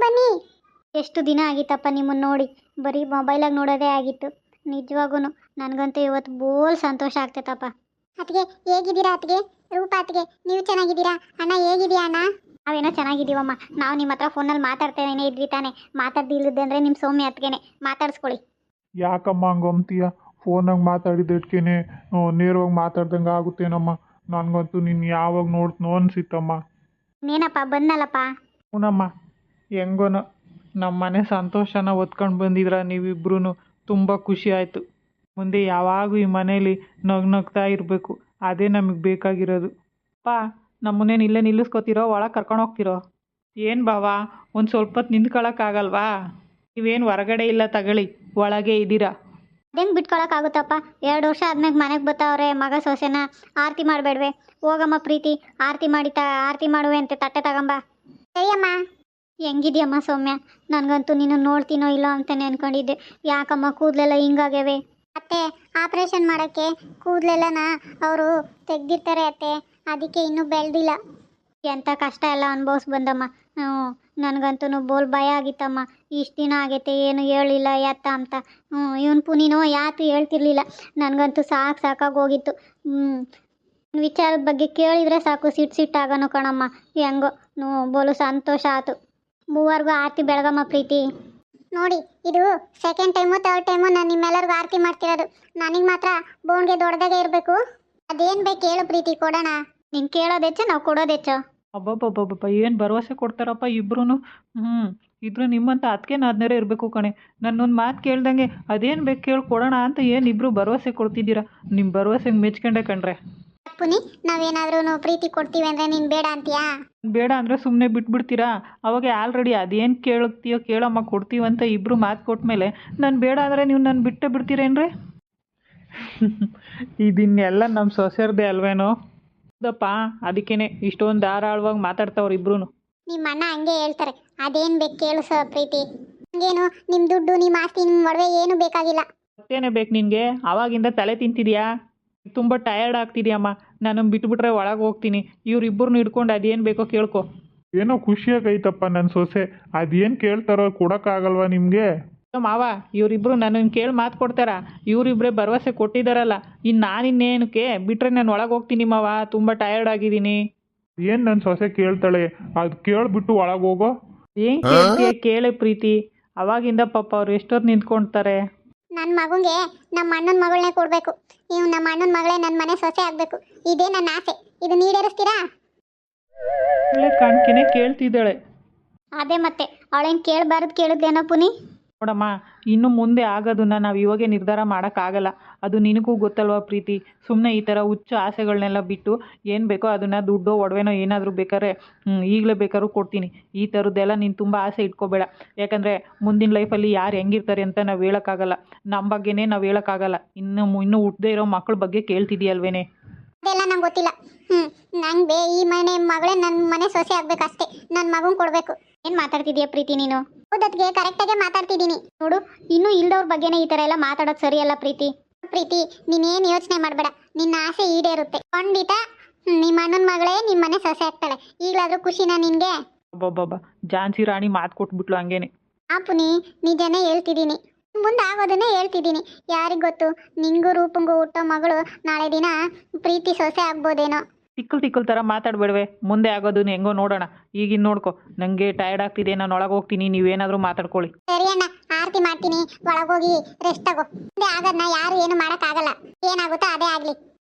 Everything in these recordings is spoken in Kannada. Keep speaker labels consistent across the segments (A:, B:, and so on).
A: ಬನ್ನಿ. ಎಷ್ಟು ದಿನ ಆಗಿತ್ತಪ್ಪ ನಿಮ್ಮನ್ನು ನೋಡಿ, ಬರೀ ಮೊಬೈಲಾಗ ನೋಡೋದೇ ಆಗಿತ್ತು. ನಿಜವಾಗೂ ನನಗಂತೂ ಇವತ್ತು ಬೋಲ್ ಸಂತೋಷ ಆಗ್ತೈತಪ್ಪ. ಅತ್ತಿಗೆ ಹೇಗಿದ್ದೀರಾ ಅತ್ತಿಗೆ? ರೂಪ ಅತ್ತಿಗೆ ನೀವು ಚೆನ್ನಾಗಿದ್ದೀರಾ? ಅಣ್ಣ ಹೇಗಿದೆಯಾ ಅಣ್ಣ? ನಾವೇನೋ ಚೆನ್ನಾಗಿದ್ದೀವಮ್ಮ. ನಾವು ನಿಮ್ಮ ಹತ್ರ ಫೋನಲ್ಲಿ ಮಾತಾಡ್ತೇನೆ ಇದ್ವಿ ತಾನೆ. ಮಾತಾಡ್ದಿಲ್ಲದೆ ಅಂದರೆ ನಿಮ್ಮ ಸೌಮ್ಯ ಅತ್ತಿಗೆನೆ ಮಾತಾಡಿಸ್ಕೊಳ್ಳಿ.
B: ಯಾಕಮ್ಮ ಹಂಗಂತೀಯ? ಫೋನಾಗ ಮಾತಾಡಿದ್ದಕ್ಕೇನೆ ನೇರವಾಗಿ ಮಾತಾಡ್ದಂಗೆ ಆಗುತ್ತೇನಮ್ಮ. ನನಗಂತೂ ನೀನು ಯಾವಾಗ ನೋಡ್ತನೋ ಅನಿಸಿತ್ತಮ್ಮ.
A: ಏನಪ್ಪ ಬಂದಲ್ಲಪ್ಪ.
B: ಹ್ಞೂನಮ್ಮ, ಹೆಂಗೋನೋ ನಮ್ಮ ಮನೆ ಸಂತೋಷನ ಹೊತ್ಕೊಂಡು ಬಂದಿದ್ರ ನೀವಿಬ್ರು. ತುಂಬ ಖುಷಿ ಆಯಿತು. ಮುಂದೆ ಯಾವಾಗೂ ಈ ಮನೇಲಿ ನಗ್ನಗ್ತಾ ಇರಬೇಕು, ಅದೇ ನಮಗೆ ಬೇಕಾಗಿರೋದು. ಅಪ್ಪ, ನಮ್ಮನ್ನೇನು ಇಲ್ಲೇ ನಿಲ್ಲಿಸ್ಕೊತಿರೋ, ಒಳಗೆ ಕರ್ಕೊಂಡು ಹೋಗ್ತಿರೋ? ಏನು ಬಾವಾ, ಒಂದು ಸ್ವಲ್ಪ ಹೊತ್ತು ನಿಂತ್ಕೊಳ್ಳೋಕ್ಕಾಗಲ್ವಾ? ನೀವೇನು ಹೊರಗಡೆ ಇಲ್ಲ ತಗೊಳ್ಳಿ, ಒಳಗೆ ಇದ್ದೀರಾ.
A: ಹೆಂಗೆ ಬಿಟ್ಕೊಳಕ್ಕಾಗುತ್ತಪ್ಪ? 2 ವರ್ಷ ಆದ್ಮೇಲೆ ಮನೆಗೆ ಬರ್ತಾವ್ರೆ ಮಗ ಸೊಸೆನ. ಆರತಿ ಮಾಡಬೇಡ್ವೆ? ಹೋಗಮ್ಮ ಪ್ರೀತಿ, ಆರತಿ ಮಾಡುವೆ ಅಂತೆ, ತಟ್ಟೆ ತಗೊಂಬ. ಸರಿಯಮ್ಮ. ಹೆಂಗಿದ್ಯಮ್ಮ ಸೌಮ್ಯ? ನನಗಂತೂ ನೀನು ನೋಡ್ತೀನೋ ಇಲ್ಲೋ ಅಂತಲೇ ಅಂದ್ಕೊಂಡಿದ್ದೆ. ಯಾಕಮ್ಮ ಕೂದಲೆಲ್ಲ ಹಿಂಗಾಗ್ಯವೆ? ಅತ್ತೆ, ಆಪ್ರೇಷನ್ ಮಾಡೋಕ್ಕೆ ಕೂದಲೆಲ್ಲನ ಅವರು ತೆಗ್ದಿರ್ತಾರೆ ಅತ್ತೆ, ಅದಕ್ಕೆ ಇನ್ನೂ ಬೆಳೆದಿಲ್ಲ. ಎಂಥ ಕಷ್ಟ ಎಲ್ಲ ಅನುಭವಿಸ್ ಬಂದಮ್ಮ. ನನಗಂತೂ ಬೋಲ್ ಭಯ ಆಗಿತ್ತಮ್ಮ. ಇಷ್ಟು ದಿನ ಆಗೈತೆ ಏನು ಹೇಳಿಲ್ಲ ಎತ್ತ ಅಂತ. ಇವನು ಪುನೀನೋ ಯಾತು ಹೇಳ್ತಿರ್ಲಿಲ್ಲ. ನನಗಂತೂ ಸಾಕಾಗಿ ಹೋಗಿತ್ತು. ವಿಚಾರದ ಬಗ್ಗೆ ಕೇಳಿದರೆ ಸಾಕು ಸಿಟ್ಟಾಗನು ಕಣಮ್ಮ. ಹೆಂಗೋ ಬೋಲು ಸಂತೋಷ ಆಯ್ತು. ಮೂವರೆಗೂ ಆರತಿ ಬೆಳಗಮ್ಮ ಪ್ರೀತಿ. ನೋಡಿ, ಇದು ಸೆಕೆಂಡ್ ಟೈಮು ಥರ್ಡ್ ಟೈಮು ನಾನು ನಿಮ್ಮೆಲ್ಲರಿಗೂ ಆರತಿ ಮಾಡ್ತಿರೋದು. ನನಗೆ ಮಾತ್ರ ಬೋನ್ಗೆ ದೊಡ್ಡದಾಗೆ ಇರಬೇಕು. ಅದೇನು ಬೇಕು ಹೇಳು ಪ್ರೀತಿ, ಕೊಡೋಣ. ನೀನು ಕೇಳೋದೆಚ್ಚ, ನಾವು ಕೊಡೋದೆಚ್ಚ.
B: ಅಬ್ಬಬ್ಬಬ್ಬಬ್ಬ, ಏನು ಭರವಸೆ ಕೊಡ್ತಾರಪ್ಪ ಇಬ್ರು. ಇದ್ರು ನಿಮ್ಮಂತ ಅದಕ್ಕೇನಾದ್ನಾರೇ ಇರಬೇಕು ಕಣೆ. ನನ್ನೊಂದು ಮಾತು ಕೇಳ್ದಂಗೆ ಅದೇನು ಬೇಕು ಕೇಳಿ ಕೊಡೋಣ ಅಂತ ಏನು ಇಬ್ಬರು ಭರವಸೆ ಕೊಡ್ತಿದ್ದೀರಾ? ನಿಮ್ಮ ಭರವಸೆಗೆ ಮೆಚ್ಕೊಂಡೆ ಕಣ್ರೆ.
A: ಪುನಿ, ನಾವೇನಾದ್ರೂ ಪ್ರೀತಿ ಕೊಡ್ತೀವಿ ಅಂದರೆ ನೀನು ಬೇಡ ಅಂತೀಯಾ?
B: ಬೇಡ ಅಂದರೆ ಸುಮ್ಮನೆ ಬಿಟ್ಬಿಡ್ತೀರಾ? ಅವಾಗ ಆಲ್ರೆಡಿ ಅದೇನು ಕೇಳುತ್ತೀಯೋ ಕೇಳಮ್ಮ, ಕೊಡ್ತೀವಂತ ಇಬ್ಬರು ಮಾತು ಕೊಟ್ಮೇಲೆ ನಾನು ಬೇಡ ಅಂದರೆ ನೀವು ನಾನು ಬಿಟ್ಟೇ ಬಿಡ್ತೀರೇನ್ರಿ? ಇದನ್ನೆಲ್ಲ ನಮ್ಮ ಸೊಸೆಯರ್ದೇ ಅಲ್ವೇನೋ? ಹೌದಪ್ಪ, ಅದಕ್ಕೇನೆ ಇಷ್ಟೊಂದು ಧಾರಾಳವಾಗಿ ಮಾತಾಡ್ತಾವ್ರು ಇಬ್ರು.
A: ನಿಮ್ಮ ಅಣ್ಣ ಹಂಗೆ ಹೇಳ್ತಾರೆ. ಅದೇನು ಬೇಕು ಕೇಳು ಪ್ರೀತಿ. ಹಂಗೇನು ನಿಮ್ಮ ದುಡ್ಡು, ನಿಮ್ಮ ಆಸ್ತಿ, ನಿಮ್ಮ ಒಡವೆ ಏನು ಬೇಕಾಗಿಲ್ಲ.
B: ಮತ್ತೇನೇ ಬೇಕು ನಿನಗೆ? ಆವಾಗಿಂದ ತಲೆ ತಿಂತಿದ್ಯಾ? ತುಂಬ ಟಯರ್ಡ್ ಆಗ್ತಿದ್ಯಮ್ಮ. ನಾನು ಬಿಟ್ಬಿಟ್ರೆ ಒಳಗೆ ಹೋಗ್ತೀನಿ. ಇವ್ರಿಬ್ಬರನ್ನು ಹಿಡ್ಕೊಂಡು ಅದೇನು ಬೇಕೋ ಕೇಳ್ಕೊ. ಏನೋ ಖುಷಿಯಾಗೈತಪ್ಪ ನನ್ನ ಸೊಸೆ. ಅದೇನು ಕೇಳ್ತಾರೋ ಕೊಡೋಕ್ಕಾಗಲ್ವಾ ನಿಮಗೆ? ಮಾವ, ಇವರಿಬ್ಬರು ನನ್ನನ್ನು ಕೇಳಿ ಮಾತು ಕೊಡ್ತಾರ? ಇವರಿಬ್ಬರೇ ಭರವಸೆ ಕೊಟ್ಟಿದ್ದಾರಲ್ಲ, ಇನ್ನು ನಾನಿನ್ನೇನಕ್ಕೆ ಬಿಟ್ಟರೆ ನಾನು ಒಳಗೆ ಹೋಗ್ತೀನಿ ಮಾವ. ತುಂಬ ಟಯರ್ಡ್ ಆಗಿದ್ದೀನಿ. ಏನು ನನ್ನ ಸೊಸೆ ಕೇಳ್ತಾಳೆ, ಅದು ಕೇಳಿಬಿಟ್ಟು ಒಳಗೆ ಹೋಗೋ. ಏನು ಕೇಳ್ತೀಯ? ಕೇಳೆ ಪ್ರೀತಿ. ಅವಾಗಿಂದ ಪಾಪ ಅವ್ರು ಎಷ್ಟೊತ್ತು ನಿಂತ್ಕೊಳ್ತಾರೆ.
A: ನನ್ನ ಮಗುಗೆ ನಮ್ಮ ಅಣ್ಣನ ಮಗಳನ್ನೇ ಕೊಡಬೇಕು. ನೀವು ನಮ್ಮ ಅಣ್ಣನ ಮಗಳೇ ನನ್ನ ಮನೆ ಸೊಸೆ ಆಗಬೇಕು. ಇದೇ ನನ್ನ ಆಸೆ. ಇದು ಈಡೇರಿಸ್ತೀರಾ?
B: ಒಳ್ಳೆ ಕಾಣ್ಕೆನೆ ಕೇಳ್ತಿದ್ದಾಳೆ.
A: ಅದೇ ಮತ್ತೆ, ಅವಳೇನು ಕೇಳಬಾರ್ದು ಕೇಳಿದ್ಲೇನೋ ಪುನಿ.
B: ನೋಡಮ್ಮ, ಇನ್ನು ಮುಂದೆ ಆಗೋದನ್ನ ನಾವು ಇವಾಗೆ ನಿರ್ಧಾರ ಮಾಡೋಕ್ಕಾಗಲ್ಲ. ಅದು ನಿನಗೂ ಗೊತ್ತಲ್ವಾ ಪ್ರೀತಿ. ಸುಮ್ಮನೆ ಈ ಥರ ಹುಚ್ಚು ಆಸೆಗಳನ್ನೆಲ್ಲ ಬಿಟ್ಟು ಏನು ಬೇಕೋ ಅದನ್ನು, ದುಡ್ಡು ಒಡವೆನೋ ಏನಾದರೂ ಬೇಕಾದ್ರೆ ಈಗಲೇ ಬೇಕಾದ್ರೂ ಕೊಡ್ತೀನಿ. ಈ ಥರದ್ದೆಲ್ಲ ನೀನು ತುಂಬ ಆಸೆ ಇಟ್ಕೋಬೇಡ. ಯಾಕಂದರೆ ಮುಂದಿನ ಲೈಫಲ್ಲಿ ಯಾರು ಹೆಂಗಿರ್ತಾರೆ ಅಂತ ನಾವು ಹೇಳೋಕ್ಕಾಗಲ್ಲ. ನಮ್ಮ ಬಗ್ಗೆನೇ ನಾವು ಹೇಳೋಕ್ಕಾಗಲ್ಲ. ಇನ್ನೂ ಹುಟ್ಟದೇ ಇರೋ ಮಕ್ಕಳ ಬಗ್ಗೆ ಕೇಳ್ತಿದ್ದೀಯಲ್ವೇನೆ?
A: ಅದೆಲ್ಲ ನಂಗೆ ಗೊತ್ತಿಲ್ಲ. ನಂಗೆ ಈ ಮನೆ ಮಗಳೇ ನನ್ನ ಮನೆ ಸೊಸೆ ಆಗ್ಬೇಕಷ್ಟೇ. ನನ್ನ ಮಗನ್ ಕೊಡಬೇಕು. ಏನು ಮಾತಾಡ್ತಿದೀಯ ಪ್ರೀತಿ ನೀನು? ಹೌದತ್ಗೆ ಕರೆಕ್ಟಾಗೆ ಮಾತಾಡ್ತಿದ್ದೀನಿ ನೋಡು. ಇನ್ನೂ ಇಲ್ದವ್ರ ಬಗ್ಗೆನೇ ಈ ಥರ ಎಲ್ಲ ಮಾತಾಡೋದು ಸರಿಯಲ್ಲ ಪ್ರೀತಿ. ಪ್ರೀತಿ, ನೀನೇನು ಯೋಚನೆ ಮಾಡಬೇಡ. ನಿನ್ನ ಆಸೆ ಈಡೇರುತ್ತೆ ಖಂಡಿತ. ನಿಮ್ಮ ಅಣ್ಣನ ಮಗಳೇ ನಿಮ್ಮ ಮನೆ ಸೊಸೆ ಆಗ್ತಾಳೆ. ಈಗಲಾದರೂ ಖುಷಿನಾ ನಿನಗೆ?
B: ಅಬ್ಬಬ್ಬಬ್ಬ, ಝಾನ್ಸಿ ರಾಣಿ ಮಾತು ಕೊಟ್ಬಿಟ್ಲು ಹಂಗೇನೆ.
A: ಪುನಿ, ನಿಜನೇ ಹೇಳ್ತಿದ್ದೀನಿ. ಮುಂದೆ ಆಗೋದನ್ನೇ ಹೇಳ್ತಿದ್ದೀನಿ. ಯಾರಿಗೆ ಗೊತ್ತು, ನಿಂಗೂ ರೂಪಂಗೂ ಹುಟ್ಟೋ ಮಗಳು ನಾಳೆ ದಿನ ಪ್ರೀತಿ ಸೊಸೆ ಆಗ್ಬೋದೇನೋ.
B: ತಿಕ್ಕಲ್ ಥರ ಮಾತಾಡಬೇಡವೆ. ಮುಂದೆ ಆಗೋದನ್ನ ಹೆಂಗೋ ನೋಡೋಣ. ಈಗಿನ ನೋಡ್ಕೊ, ನನಗೆ ಟಯರ್ಡ್ ಆಗ್ತಿದೆ, ನಾನು ಒಳಗೆ ಹೋಗ್ತೀನಿ. ನೀವೇನಾದರೂ ಮಾತಾಡ್ಕೊಳ್ಳಿ.
A: ಸರಿ ಅಣ್ಣ, ಆರತಿ ಮಾಡ್ತೀನಿ. ಒಳಗೋಗಿ ರೆಸ್ಟ್ ತಗೋ. ಮುಂದೆ ಆಗೋದನ್ನ ಯಾರು ಏನು ಮಾಡೋಕ್ಕಾಗಲ್ಲ. ಏನಾಗುತ್ತೋ ಅದೇ ಆಗಲಿ.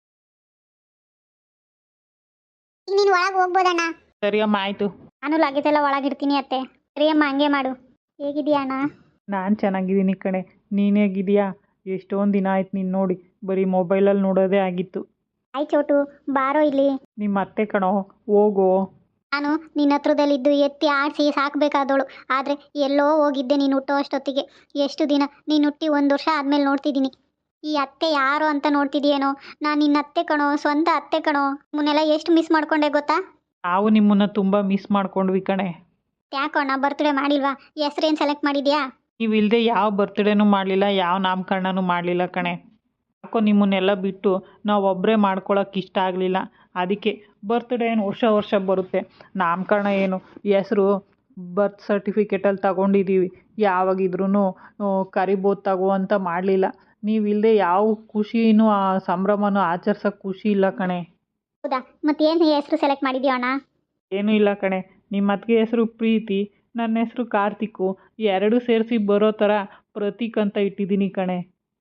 A: ಈಗ ನೀನು ಒಳಗೆ ಹೋಗ್ಬೋದಣ್ಣ.
B: ಸರಿ ಅಮ್ಮ, ಆಯಿತು.
A: ನಾನು ಲಗೇಜ್ ಎಲ್ಲ ಒಳಗಿಡ್ತೀನಿ ಅತ್ತೆ. ಸರಿ ಅಮ್ಮ, ಹಂಗೆ ಮಾಡು. ಹೇಗಿದೆಯಾ ಅಣ್ಣ?
B: ನಾನು ಚೆನ್ನಾಗಿದ್ದೀನಿ ಕಣೆ. ನೀನು ಹೇಗಿದೆಯಾ? ಎಷ್ಟೊಂದು ದಿನ ಆಯ್ತು ನೀನು ನೋಡಿ. ಬರೀ ಮೊಬೈಲಲ್ಲಿ ನೋಡೋದೇ ಆಗಿತ್ತು.
A: ಆಯ್ ಚೋಟು, ಬಾರೋ ಇಲ್ಲಿ.
B: ನಿಮ್ಮ ಅತ್ತೆ ಕಣೋ, ಹೋಗೋ.
A: ನಾನು ನಿನ್ನ ಹತ್ರದಲ್ಲಿದ್ದು ಎತ್ತಿ ಆಡಿಸಿ ಸಾಕಬೇಕಾದವಳು. ಆದರೆ ಎಲ್ಲೋ ಹೋಗಿದ್ದೆ ನೀನು ಹುಟ್ಟೋ ಅಷ್ಟೊತ್ತಿಗೆ. ಎಷ್ಟು ದಿನ ನೀನು ಹುಟ್ಟಿ 1 ವರ್ಷ ಆದಮೇಲೆ ನೋಡ್ತಿದ್ದೀನಿ. ಈ ಅತ್ತೆ ಯಾರು ಅಂತ ನೋಡ್ತಿದ್ದೀಯೇನೋ? ನಾನು ನಿನ್ನ ಅತ್ತೆ ಕಣೋ, ಸ್ವಂತ ಅತ್ತೆ ಕಣೋ. ಮುನ್ನೆಲ್ಲ ಎಷ್ಟು ಮಿಸ್ ಮಾಡ್ಕೊಂಡೆ ಗೊತ್ತಾ?
B: ನಾವು ನಿಮ್ಮನ್ನು ತುಂಬ ಮಿಸ್ ಮಾಡ್ಕೊಂಡ್ವಿ ಕಣೆ.
A: ಯಾಕೋಣ ಬರ್ತ್ಡೇ ಮಾಡಿಲ್ವಾ? ಹೆಸ್ರೇನು ಸೆಲೆಕ್ಟ್ ಮಾಡಿದ್ಯಾ?
B: ನೀವು ಇಲ್ಲದೆ ಯಾವ ಬರ್ತ್ಡೇನೂ ಮಾಡಲಿಲ್ಲ, ಯಾವ ನಾಮಕರಣನೂ ಮಾಡಲಿಲ್ಲ ಕಣೆ. ಯಾಕೋ ನಿಮ್ಮನ್ನೆಲ್ಲ ಬಿಟ್ಟು ನಾವು ಒಬ್ಬರೇ ಮಾಡ್ಕೊಳಕ್ಕೆ ಇಷ್ಟ ಆಗಲಿಲ್ಲ. ಅದಕ್ಕೆ ಬರ್ತ್ಡೇ ಏನು ವರ್ಷ ಬರುತ್ತೆ, ನಾಮಕರಣ ಏನು ಹೆಸರು ಬರ್ತ್ ಸರ್ಟಿಫಿಕೇಟಲ್ಲಿ ತಗೊಂಡಿದ್ದೀವಿ. ಯಾವಾಗಿದ್ರೂ ಕರಿಬೋದು ತಗೋ ಅಂತ ಮಾಡಲಿಲ್ಲ. ನೀವಿಲ್ಲದೆ ಯಾವ ಖುಷಿನೂ ಆ ಸಂಭ್ರಮನೂ ಆಚರ್ಸೋಕ್ಕೆ ಖುಷಿ ಇಲ್ಲ ಕಣೆ.
A: ಹೌದಾ, ಮತ್ತೇನು ಹೆಸರು ಸೆಲೆಕ್ಟ್ ಮಾಡಿದ್ಯೋ ಅಣ್ಣ?
B: ಏನೂ ಇಲ್ಲ ಕಣೆ. ನಿಮ್ಮ ಅತ್ತಿಗೆ ಹೆಸರು ಪ್ರೀತಿ, ನನ್ನ ಹೆಸರು ಕಾರ್ತಿಕು. ಎರಡೂ ಸೇರಿಸಿ ಬರೋ ಥರ ಪ್ರತೀಕ್ ಅಂತ ಇಟ್ಟಿದ್ದೀನಿ ಕಣೆ.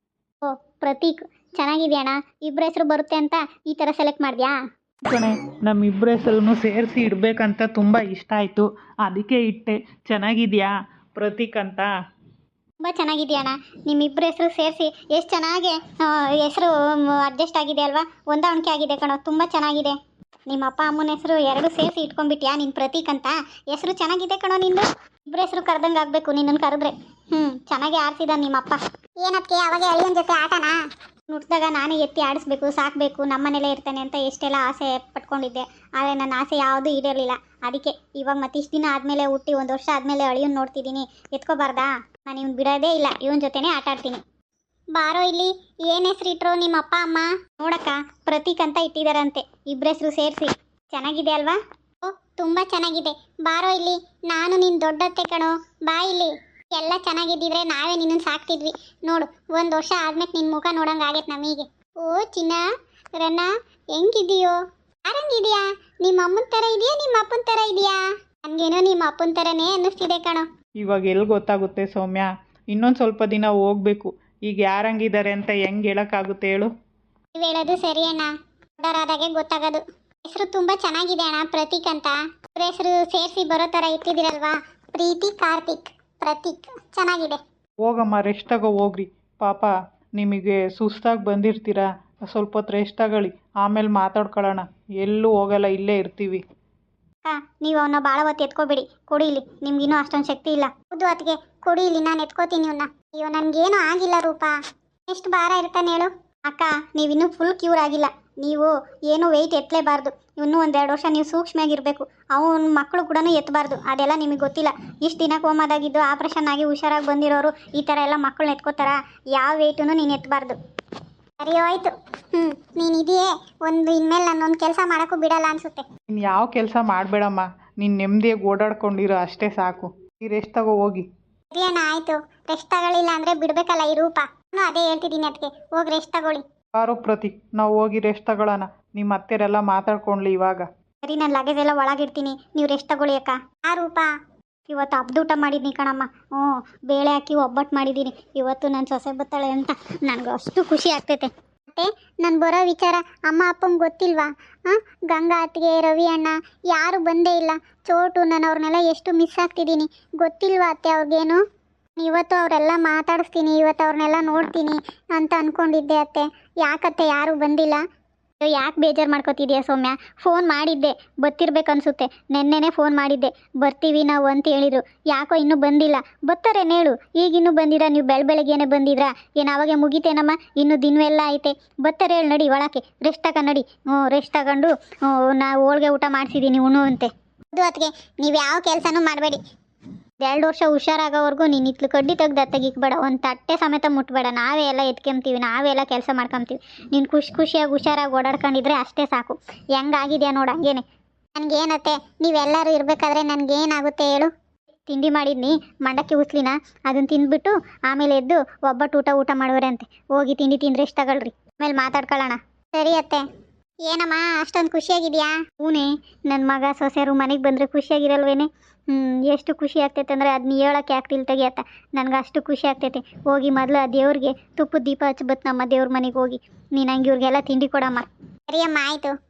A: ಓ ಪ್ರತೀಕ್, ಚೆನ್ನಾಗಿದೆಯಾ ಅಣ್ಣ? ಇಬ್ಬರ ಹೆಸರು ಬರುತ್ತೆ ಅಂತ ಈ ಥರ ಸೆಲೆಕ್ಟ್ ಮಾಡಿದ್ಯಾ?
B: ಕಣೆ, ನಮ್ಮಿಬ್ಬರ ಹೆಸರನ್ನು ಸೇರಿಸಿ ಇಡಬೇಕಂತ ತುಂಬ ಇಷ್ಟ ಆಯಿತು, ಅದಕ್ಕೆ ಇಟ್ಟೆ. ಚೆನ್ನಾಗಿದೆಯಾ ಪ್ರತೀಕ್ ಅಂತ?
A: ತುಂಬ ಚೆನ್ನಾಗಿದೆಯಾ ಅಣ್ಣ? ನಿಮ್ಮಿಬ್ಬರ ಹೆಸರು ಸೇರಿಸಿ ಎಷ್ಟು ಚೆನ್ನಾಗಿ ಹೆಸರು ಅಡ್ಜಸ್ಟ್ ಆಗಿದೆ ಅಲ್ವಾ? ಹೊಂದಾಣಿಕೆ ಆಗಿದೆ ಕಣೋ, ತುಂಬ ಚೆನ್ನಾಗಿದೆ. ನಿಮ್ಮ ಅಪ್ಪ ಅಮ್ಮನ ಹೆಸರು ಎರಡು ಸೇರಿಸಿ ಇಟ್ಕೊಂಡ್ಬಿಟ್ಯಾ ನಿನ್ನ ಪ್ರತೀಕ್ ಅಂತ? ಹೆಸರು ಚೆನ್ನಾಗಿದೆ ಕಣೋ ನಿಂದು. ಇಬ್ಬರ ಹೆಸರು ಕರೆದಂಗೆ ಆಗಬೇಕು ನಿನ್ನನ್ನು ಕರೆದ್ರೆ. ಚೆನ್ನಾಗಿ ಆಡ್ಸಿದ ನಿಮ್ಮಪ್ಪ. ಏನಕ್ಕೆ ಅವಾಗ ಅಳಿಯನ ಜೊತೆ ಆಟನಾ? ನುಡ್ದಾಗ ನಾನೇ ಎತ್ತಿ ಆಡಿಸ್ಬೇಕು, ಸಾಕಬೇಕು, ನಮ್ಮನೇಲೇ ಇರ್ತಾನೆ ಅಂತ ಎಷ್ಟೆಲ್ಲ ಆಸೆ ಪಟ್ಕೊಂಡಿದ್ದೆ. ಆದರೆ ನನ್ನ ಆಸೆ ಯಾವುದೂ ಈಡೇರಲಿಲ್ಲ. ಅದಕ್ಕೆ ಇವಾಗ ಮತ್ತಿಷ್ಟು ದಿನ ಆದಮೇಲೆ ಹುಟ್ಟಿ 1 ವರ್ಷ ಆದಮೇಲೆ ಅಳಿಯನ್ ನೋಡ್ತಿದ್ದೀನಿ. ಎತ್ಕೋಬಾರ್ದಾ? ನಾನು ಇವ್ನು ಬಿಡೋದೇ ಇಲ್ಲ, ಇವನ ಜೊತೆನೇ ಆಟ ಆಡ್ತೀನಿ. ಬಾರೋ ಇಲ್ಲಿ. ಏನು ಹೆಸರು ಇಟ್ಟರು ನಿಮ್ಮ ಅಪ್ಪ ಅಮ್ಮ? ನೋಡಕ್ಕ, ಪ್ರತೀಕ್ ಅಂತ ಇಟ್ಟಿದ್ದಾರಂತೆ ಇಬ್ಬರ ಹೆಸರು ಸೇರಿಸಿ. ಚೆನ್ನಾಗಿದೆ ಅಲ್ವಾ? ಓ ತುಂಬ ಚೆನ್ನಾಗಿದೆ. ಬಾರೋ ಇಲ್ಲಿ, ನಾನು ನಿನ್ನ ದೊಡ್ಡತ್ತೆ ಕಣೋ, ಬಾ ಇಲ್ಲಿ. ಎಲ್ಲ ಚೆನ್ನಾಗಿದ್ದಿದ್ರೆ ನಾವೇ ನಿನ್ನನ್ನು ಸಾಕ್ತಿದ್ವಿ. ನೋಡು, 1 ವರ್ಷ ಆದ್ಮೇಲೆ ನಿನ್ನ ಮುಖ ನೋಡಂಗೆ ಆಗೈತೆ ನಮಗೆ. ಓ ಚಿನ್ನ, ರನ್ನ, ಹೆಂಗಿದೆಯೋ? ಯಾರಂಗಿದೆಯಾ? ನಿಮ್ಮ ಅಮ್ಮನ ಥರ ಇದೆಯಾ ನಿಮ್ಮ ಅಪ್ಪನ ಥರ ಇದೆಯಾ? ನನಗೇನೋ ನಿಮ್ಮ ಅಪ್ಪನ ಥರನೇ ಅನ್ನಿಸ್ತಿದೆ ಕಣೋ.
B: ಇವಾಗ ಎಲ್ಲಿ ಗೊತ್ತಾಗುತ್ತೆ ಸೌಮ್ಯ? ಇನ್ನೊಂದು ಸ್ವಲ್ಪ ದಿನ ಹೋಗಬೇಕು. ಈಗ ಯಾರಂಗಿದ್ದಾರೆ ಅಂತ ಹೆಂಗೆ ಹೇಳೋಕ್ಕಾಗುತ್ತೆ ಹೇಳು?
A: ನೀವು ಹೇಳೋದು ಸರಿ ಅಣ್ಣ, ದೊಡ್ಡವರಾದಾಗೆ ಗೊತ್ತಾಗೋದು. ಹೆಸರು ತುಂಬ ಚೆನ್ನಾಗಿದೆ ಅಣ್ಣ, ಪ್ರತೀಕ್ ಅಂತ. ಇಬ್ಬರ ಹೆಸರು ಸೇರಿಸಿ ಬರೋ ಥರ ಇಟ್ಟಿದ್ದೀರಲ್ವಾ? ಪ್ರೀತಿ, ಕಾರ್ತಿಕ್, ಪ್ರತೀಕ್, ಚೆನ್ನಾಗಿದೆ.
B: ಹೋಗಮ್ಮ, ರೆಸ್ಟ್ ತಗೋ ಹೋಗ್ರಿ. ಪಾಪ ನಿಮಗೆ ಸುಸ್ತಾಗಿ ಬಂದಿರ್ತೀರಾ, ಸ್ವಲ್ಪ ಹೊತ್ತು ರೆಸ್ಟ್ ತಗೊಳ್ಳಿ, ಆಮೇಲೆ ಮಾತಾಡ್ಕೊಳ್ಳೋಣ. ಎಲ್ಲೂ ಹೋಗಲ್ಲ, ಇಲ್ಲೇ ಇರ್ತೀವಿ.
A: ಅಕ್ಕ, ನೀವು ಅವನ್ನ ಭಾಳ ಹೊತ್ತು ಎತ್ಕೋಬೇಡಿ, ಕೊಡಿ ಇಲ್ಲಿ. ನಿಮ್ಗಿನ್ನೂ ಅಷ್ಟೊಂದು ಶಕ್ತಿ ಇಲ್ಲ. ಹೌದು ಅದಕ್ಕೆ ಕೊಡಿ ಇಲ್ಲಿ, ನಾನು ಎತ್ಕೋತೀನಿ ಇವನ್ನ. ಅಯ್ಯೋ ನನಗೇನು ಆಗಿಲ್ಲ ರೂಪ. ಎಷ್ಟು ಭಾರ ಇರ್ತಾನೆ ಹೇಳು? ಅಕ್ಕ, ನೀವಿನ್ನೂ ಫುಲ್ ಕ್ಯೂರ್ ಆಗಿಲ್ಲ. ನೀವು ಏನು ವೆಯ್ಟ್ ಎತ್ತಲೇಬಾರ್ದು. ಇನ್ನೂ 1-2 ವರ್ಷ ನೀವು ಸೂಕ್ಷ್ಮಾಗಿರಬೇಕು. ಅವನ ಮಕ್ಕಳು ಕೂಡ ಎತ್ತಬಾರ್ದು, ಅದೆಲ್ಲ ನಿಮಗೆ ಗೊತ್ತಿಲ್ಲ. ಇಷ್ಟು ದಿನ ಕೋಮಾದಾಗಿದ್ದು ಆಪ್ರೇಷನ್ ಆಗಿ ಹುಷಾರಾಗಿ ಬಂದಿರೋರು ಈ ಥರ ಎಲ್ಲ ಮಕ್ಕಳನ್ನ ಎತ್ಕೋತಾರ? ಯಾವ ವೆಯ್ಟೂ ನೀನು ಎತ್ತಬಾರ್ದು. ಸರಿ ಹೋಯ್ತು. ನೀನು ಇದೆಯೇ ಒಂದು, ಇನ್ಮೇಲೆ ನಾನೊಂದು ಕೆಲಸ ಮಾಡೋಕ್ಕೂ ಬಿಡಲ್ಲ ಅನಿಸುತ್ತೆ.
B: ನೀನು ಯಾವ ಕೆಲಸ ಮಾಡಬೇಡಮ್ಮ, ನೀನು ನೆಮ್ಮದಿಯಾಗಿ ಓಡಾಡ್ಕೊಂಡಿರೋ ಅಷ್ಟೇ ಸಾಕು. ಈ ರೆಸ್ಟ್ ತಗೋ ಹೋಗಿ.
A: ಸರಿ ಅಣ್ಣ, ಆಯಿತು. ರೆಸ್ಟ್ ತಗೊಳ್ಳಿಲ್ಲ ಅಂದರೆ ಬಿಡಬೇಕಲ್ಲ ಈ ರೂಪ. ನಾನು ಅದೇ ಹೇಳ್ತಿದ್ದೀನಿ ಅದಕ್ಕೆ, ಹೋಗಿ ರೆಸ್ಟ್ ತಗೊಳ್ಳಿ.
B: ಬಾರೋ ಪ್ರತೀಕ್, ನಾವು ಹೋಗಿ ರೆಸ್ಟ್ ತಗೊಳ್ಳೋಣ. ನಿಮ್ಮ ಅತ್ತೆರೆಲ್ಲ ಮಾತಾಡ್ಕೊಳ್ಳಿ ಇವಾಗ.
A: ಸರಿ, ನಾನು ಲಗೇಜ್ ಎಲ್ಲ ಒಳಗಿಡ್ತೀನಿ, ನೀವು ರೆಸ್ಟ್ ತಗೊಳ್ಳಿ ಅಕ್ಕ. ಆ ರೂಪ, ಇವತ್ತು ಹಬ್ಬದೂಟ ಮಾಡಿದ್ದೀನಿ ಕಣಮ್ಮ. ಬೇಳೆ ಹಾಕಿ ಒಬ್ಬಟ್ಟು ಮಾಡಿದ್ದೀನಿ. ಇವತ್ತು ನನ್ನ ಸೊಸೆ ಬತ್ತಾಳೆ ಅಂತ ನನಗೆ ಅಷ್ಟು ಖುಷಿ ಆಗ್ತೈತೆ. ಮತ್ತೆ ನಾನು ಬರೋ ವಿಚಾರ ಅಮ್ಮ ಅಪ್ಪಂಗೆ ಗೊತ್ತಿಲ್ವಾ? ಗಂಗಾ ಅತ್ತಿಗೆ, ರವಿ ಅಣ್ಣ ಯಾರು ಬಂದೇ ಇಲ್ಲ. ಚೋಟು, ನಾನು ಅವ್ರನ್ನೆಲ್ಲ ಎಷ್ಟು ಮಿಸ್ ಆಗ್ತಿದ್ದೀನಿ ಗೊತ್ತಿಲ್ವಾ ಅತ್ತೆ ಅವ್ರಿಗೇನು? ಇವತ್ತು ಅವರೆಲ್ಲ ಮಾತಾಡಿಸ್ತೀನಿ, ಇವತ್ತು ಅವ್ರನ್ನೆಲ್ಲ ನೋಡ್ತೀನಿ ಅಂತ ಅಂದ್ಕೊಂಡಿದ್ದೆ ಅತ್ತೆ. ಯಾಕತ್ತೆ ಯಾರೂ ಬಂದಿಲ್ಲ? ಯಾಕೆ ಬೇಜಾರು ಮಾಡ್ಕೋತಿದ್ಯಾ ಸೌಮ್ಯ? ಫೋನ್ ಮಾಡಿದ್ದೆ, ಬರ್ತಿರ್ಬೇಕನ್ಸುತ್ತೆ. ನೆನ್ನೆನೇ ಫೋನ್ ಮಾಡಿದ್ದೆ, ಬರ್ತೀವಿ ನಾವು ಅಂತ ಹೇಳಿದರು. ಯಾಕೋ ಇನ್ನೂ ಬಂದಿಲ್ಲ. ಬರ್ತಾರೇನು ಹೇಳು? ಈಗಿನ್ನೂ ಬಂದಿರಾ? ನೀವು ಬೆಳಗ್ಗೆನೇ ಬಂದಿದ್ರಾ? ಏನು ಅವಾಗೆ ಮುಗಿತೇನಮ್ಮ? ಇನ್ನೂ ದಿನವೆಲ್ಲ ಐತೆ. ಬರ್ತಾರೆ ಹೇಳಿ, ನಡಿ ಒಳಕ್ಕೆ. ರೆಸ್ಟ್ ತಗೊಂಡು ನಡಿ. ರೆಸ್ಟ್ ತಗೊಂಡು ನಾವು ಹೋಳ್ಗೆ ಊಟ ಮಾಡಿಸಿದ್ದೀನಿ ಉಣ್ಣು ಅಂತೆ. ಅದು ಅದಕ್ಕೆ ನೀವು ಯಾವ ಕೆಲಸನೂ ಮಾಡಬೇಡಿ. 2 ವರ್ಷ ಹುಷಾರಾಗೋವರೆಗೂ ನೀನು ಇತ್ಲು ಕಡ್ಡಿ ತೆಗ್ದು ತೆಗಿಕ್ಬೇಡ, ಒಂದು ತಟ್ಟೆ ಸಮೇತ ಮುಟ್ಬೇಡ. ನಾವೇ ಎಲ್ಲ ಎತ್ಕೊಂತೀವಿ, ನಾವೇ ಎಲ್ಲ ಕೆಲಸ ಮಾಡ್ಕೊತೀವಿ. ನೀನು ಖುಷಿಯಾಗಿ ಹುಷಾರಾಗಿ ಓಡಾಡ್ಕೊಂಡಿದ್ರೆ ಅಷ್ಟೇ ಸಾಕು. ಹೆಂಗಾಗಿದೆಯಾ ನೋಡು, ಹಂಗೇನೆ. ನನಗೇನತ್ತೆ, ನೀವೆಲ್ಲರೂ ಇರಬೇಕಾದ್ರೆ ನನಗೇನಾಗುತ್ತೆ ಹೇಳು? ತಿಂಡಿ ಮಾಡಿದ್ನಿ, ಮಂಡಕ್ಕಿ ಉಸ್ಲಿನ, ಅದನ್ನು ತಿಂದ್ಬಿಟ್ಟು ಆಮೇಲೆ ಎದ್ದು ಒಬ್ಬಟ್ಟು ಊಟ ಮಾಡುವರೆ ಅಂತೆ. ಹೋಗಿ ತಿಂಡಿ ತಿಂದ್ರೆ ಎಷ್ಟು ತಗೊಳ್ರಿ, ಆಮೇಲೆ ಮಾತಾಡ್ಕೊಳ್ಳೋಣ. ಸರಿ ಅತ್ತೆ. ಏನಮ್ಮ ಅಷ್ಟೊಂದು ಖುಷಿಯಾಗಿದೆಯಾ? ಹೂನೇ, ನನ್ನ ಮಗ ಸೊಸೆಯರು ಮನೆಗೆ ಬಂದರೆ ಖುಷಿಯಾಗಿರಲ್ವೇನೆ? ಎಷ್ಟು ಖುಷಿ ಆಗ್ತೈತೆ ಅಂದರೆ ಅದನ್ನ ಹೇಳೋಕ್ಕೆ ಆಗ್ತಿಲ್ಲ ತೆಗಿಯತ್ತ. ನನಗೆ ಅಷ್ಟು ಖುಷಿ ಆಗ್ತೈತೆ. ಹೋಗಿ ಮೊದಲು ಆ ದೇವ್ರಿಗೆ ತುಪ್ಪದ ದೀಪ ಹಚ್ಬತ್ತು ನಮ್ಮ ದೇವ್ರ ಮನೆಗೆ ಹೋಗಿ. ನೀನು ಹಂಗೆ ಇವ್ರಿಗೆಲ್ಲ ತಿಂಡಿ ಕೊಡಮ್ಮ. ಸರಿಯಮ್ಮ, ಆಯಿತು.